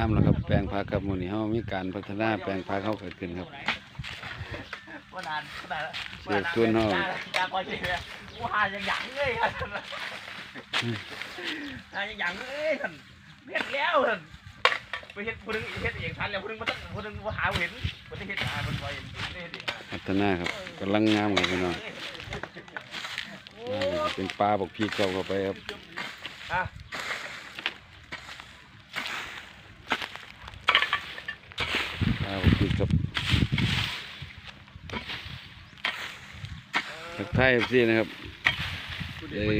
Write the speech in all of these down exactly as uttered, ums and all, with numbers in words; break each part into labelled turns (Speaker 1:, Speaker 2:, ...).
Speaker 1: ามแล้วครับแปลงผักครับมื้อนี้เฮามีการพัฒนาแปลงผักเฮาเกิดขึ้นครับเสียชวนเฮา
Speaker 2: กูหาอย่างหยังเลยครับหาอย่างหยังเลยท่านเฮ็ดแล้วท่านไปเฮ็ดผู้นึงเฮ็ดเองทันแล้วผู้นึงบ่ต้องผู้นึงบ่หาเห็นบ่ได้เฮ็ดหาเพิ่นบ่เห็นเฮ็ดเอง
Speaker 1: พัฒนาครับกำลังงามครับพี่น้องเป็นปลาบอกพี่เก่าเข้าไปครับปลาบอกพี่กับทักทายเอฟซีนะครับเอ้ย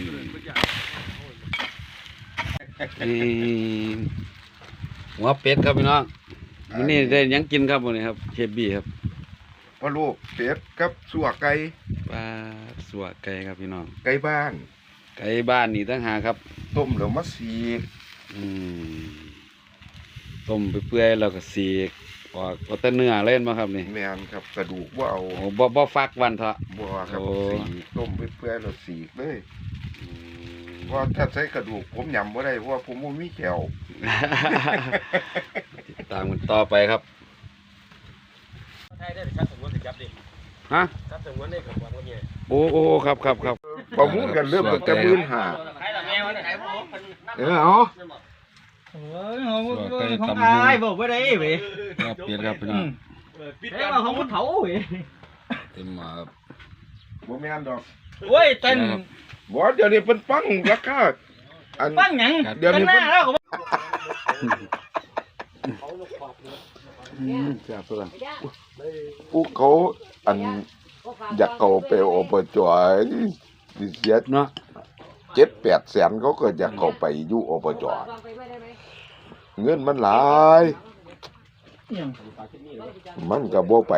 Speaker 1: หัวเป็ดครับพี่น้องวันนี้ได้ยังกินครับวันนี้ครับเชฟบี้ครับ
Speaker 3: พะโล้เป็ดกับสัวไก่
Speaker 1: ปลาสัวไก่ครับพี่น้อง
Speaker 3: ไก่บ้าน
Speaker 1: ไก่บ้านนี่ตั้งหาครับ
Speaker 3: ต้มแล้วมาสีก
Speaker 1: อืมต้มไปเปื่อยแล้วก็สีกออกเอาแต่เนื้อเล่นมาครับนี่
Speaker 3: แม่นครับกระดูกว่าเอา
Speaker 1: โอ้บ่บ่ฟักวันเถอะ
Speaker 3: บ่ครับสีต้มไปเปื่อยแล้วสีกเลยเพราะถ้าใช้กระดูกผมยำบ่ได้เพราะว่าผมบ่มีแขว
Speaker 1: ติดตามกันต่อไปครับ
Speaker 2: ไทยได้ชัดสมมุติจับดิ
Speaker 1: ฮะ
Speaker 2: ชัดสมมุติได้กับว่าเนี่ย
Speaker 1: โอ้โอ้ครับครับครับ
Speaker 3: ประมูลกันเริ่มตั้งแต่หมื่นห้าเออเอา
Speaker 2: โอ้ยของอายบอกว่าได้เว้ย
Speaker 1: ครับเปลี่ยนครับพี่น้อง
Speaker 2: ปิดแล้วของคนเผาเว้ย
Speaker 1: เต็มมาครับ
Speaker 3: บ่แม่นดอก
Speaker 2: โอ้ยเต้น
Speaker 3: บ่เดี๋ยวนี้เพิ่นปังราคา
Speaker 2: อันปังหยัง
Speaker 3: เดี๋ยวนี้เพิ่น
Speaker 1: อืมแซ่บสุด
Speaker 3: ผู้เขาอันอยากเข้าไปอบจสิเสียเนาะเจ็ดแปดแสนเขาก็อยากเข้าไปอยู่อบจเงินมันหลายมันก็บ่ไป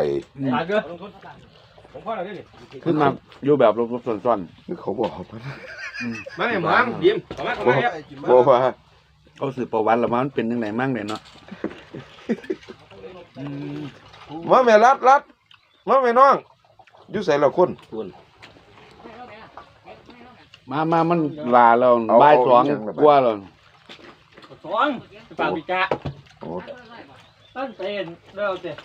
Speaker 1: ขึ้นมาอยู่แบบลบๆซ่อน
Speaker 3: ๆคือเขาบอกมัน
Speaker 2: มาแม่หมองยิ้มเข้ามาเข้ามาครับ
Speaker 3: บ่ว่า
Speaker 1: เขาสืบประวัติแล้วมันเป็นจังไดมั่งเด้เนาะ
Speaker 3: มาแม่รัดรัดมาแม่น้องอยู่ไสละคน
Speaker 1: มามามันลาแล้วบ่ายสองกว่าแล้ว
Speaker 2: สองปากปิกะโอ้ตั้งเต้นเร็วเต้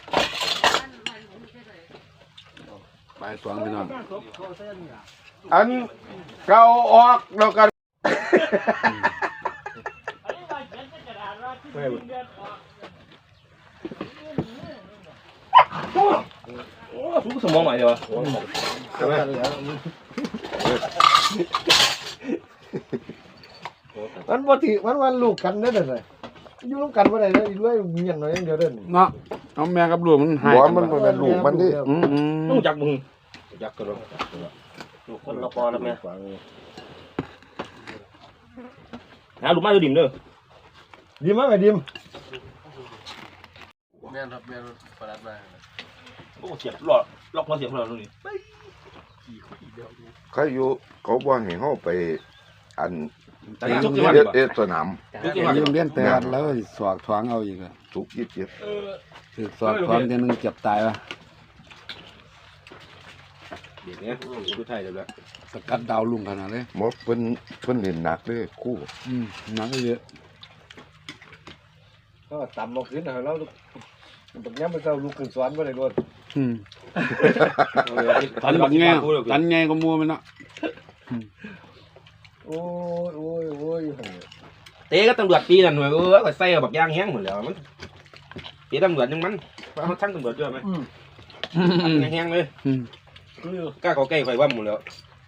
Speaker 1: บ่ายสองพี่น้อง
Speaker 3: อันเก่าออกแล้วกัน
Speaker 2: โอ้ทุกสมองใหม่เลยวะใช่ไหม
Speaker 4: มันบ่ถือมันวันลูกกันได้เลยอยู่ร่วมกันบ่ได้เลยด้วยมีอย่างน้อยอย่างเดียวเด้อ
Speaker 1: เนาะเอาแม่กับลูกมันหาย
Speaker 3: บ่มันบ่แม่นลูกมันดิ
Speaker 1: อือ
Speaker 2: ต้องจักมึงจักกันลูกคนละปอแล้วแม่หาลูกมาดูดิมเด้อ
Speaker 4: ดิมมาแม่ดิม
Speaker 2: แม่นครับแม่นประหลัดมาโอ้เสียบหลอดล็อกมาเสียบหลอดนี่
Speaker 3: เขาอยู่เขาบ่ให้เฮาไปอัน
Speaker 1: เอ
Speaker 3: เอสนาม
Speaker 1: ยืมเลี้ยนแต่แล้วสวกท้องเอาอีกอ่ะ
Speaker 3: ทุกยี่สิบ
Speaker 1: เออถือสวกท้องทีนึงเจ็บตายวะ
Speaker 2: เดี๋ยวนี้ดูไทยเดี๋ยวละ
Speaker 1: สกัดดาวลุงขนาดเลย
Speaker 3: หมดเพิ่นเพิ่นเล่นหนักเลยคู่
Speaker 1: อืมหนักเยอะ
Speaker 4: ก็ต่ำมาขึ้นนะแล้วตรงนี้มันจะลูกขึ้นสวนบ่ได้โดน
Speaker 1: อืมตันแบบไงตันไงก็มัวมันเนาะ
Speaker 4: โอ้ยโอ้ยโอ้ย
Speaker 2: เตะก็ตำรวจปีนั่นหน่วยเออก็ใส่บักยางแห้งหมดแล้วมันเตะตำรวจยังมันเขาทั้งตำรวจด้วยไหมแห้งเลยกล้าเขาใกล้ไฟว่าหมดแล้ว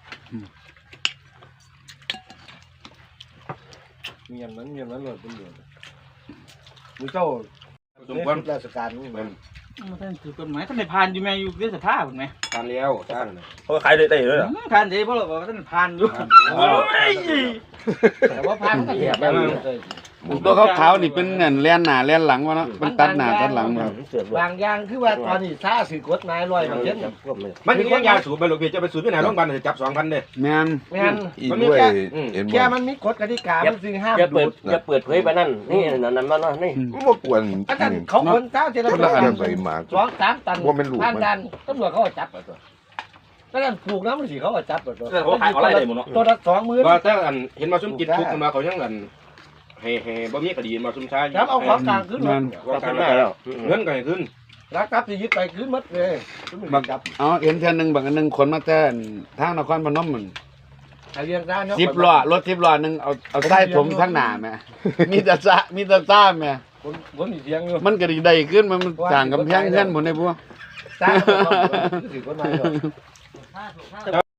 Speaker 4: เงียบนั้นเงียบนั้นเลยตำรวจมือเจ้า
Speaker 2: สมควร
Speaker 4: ราชการนี่มัน
Speaker 2: มันท่านถือกฎหมายท่านได้ผ่านอยู่ไหมอยู่เรื่องสภาพถูกไหม
Speaker 3: ผ่านแล้วท่าน
Speaker 2: เขาขายได้ได้เลยเหรอผ่านได้เพราะเราบอกว่าท่านผ่านอยู่
Speaker 4: แต่ว่าผ่านก็แย่ไปเลย
Speaker 1: ตัวเขาขาวนี่เป็นเงินเลี้ยนหน้าเลี้ยนหลังวะเนาะเป็นตัดหน้าตัดหลังมา
Speaker 4: บางอย่างคือว่าตอนนี้ซาสื่อกฎหมายร้อยเปอร์เซ็นต์
Speaker 2: มันมียาสูบไปโรงพยาบาลจะไปสูบที่ไหนโรงพยาบาลจะจับสองพันเลย
Speaker 1: แม่น
Speaker 4: แม่น
Speaker 3: มันมีแค่
Speaker 4: แค่มันมีกฎกติกามันซึ่งห้าม
Speaker 2: อย่าเปิดอย่าเปิดเผยไปนั่นนี่นั่นนั่นนั่นนี่
Speaker 3: บ่ควร
Speaker 4: อาจารย์เขาคนเจ้าเจริญสองสามตันผ่านดันตำรวจเขาจับตัวก็นั่นปลูกน้ำมันสิเขาจับตัว
Speaker 2: เขาขายอะไรได้หมดเนาะ
Speaker 4: ตัวละสองหมื่น
Speaker 2: ก็ถ้าเห็นมาชุ่มจิตปลูกกันมาเขายังกันให้ให้บ่มีคดีมาซุ่มซ่า
Speaker 4: จับเอาของกลางขึ้นรถ
Speaker 2: ว่าการแล้วเงินก็ให้ขึ้น
Speaker 4: รักกับสิยึดไปขึ้นหมดเลย
Speaker 1: บักเอาเห็นเทื่อหนึงบางอันหนึงคนมาแต่ทางนครพนมมัน
Speaker 4: ไอเรียงได้เนาะ
Speaker 1: สิบล้อรถสิบล้อหนึงเอาเอาใต้ถมข้างหน้าแม่ มีแต่ซะมีแต่ซ่าแม่
Speaker 4: คนคนมีเสียงอยู่
Speaker 1: มันก็ดีได้ขึ้นมันมันสร้างกำแพงเฮือนหมดในบัว
Speaker 4: ตาถือคนมา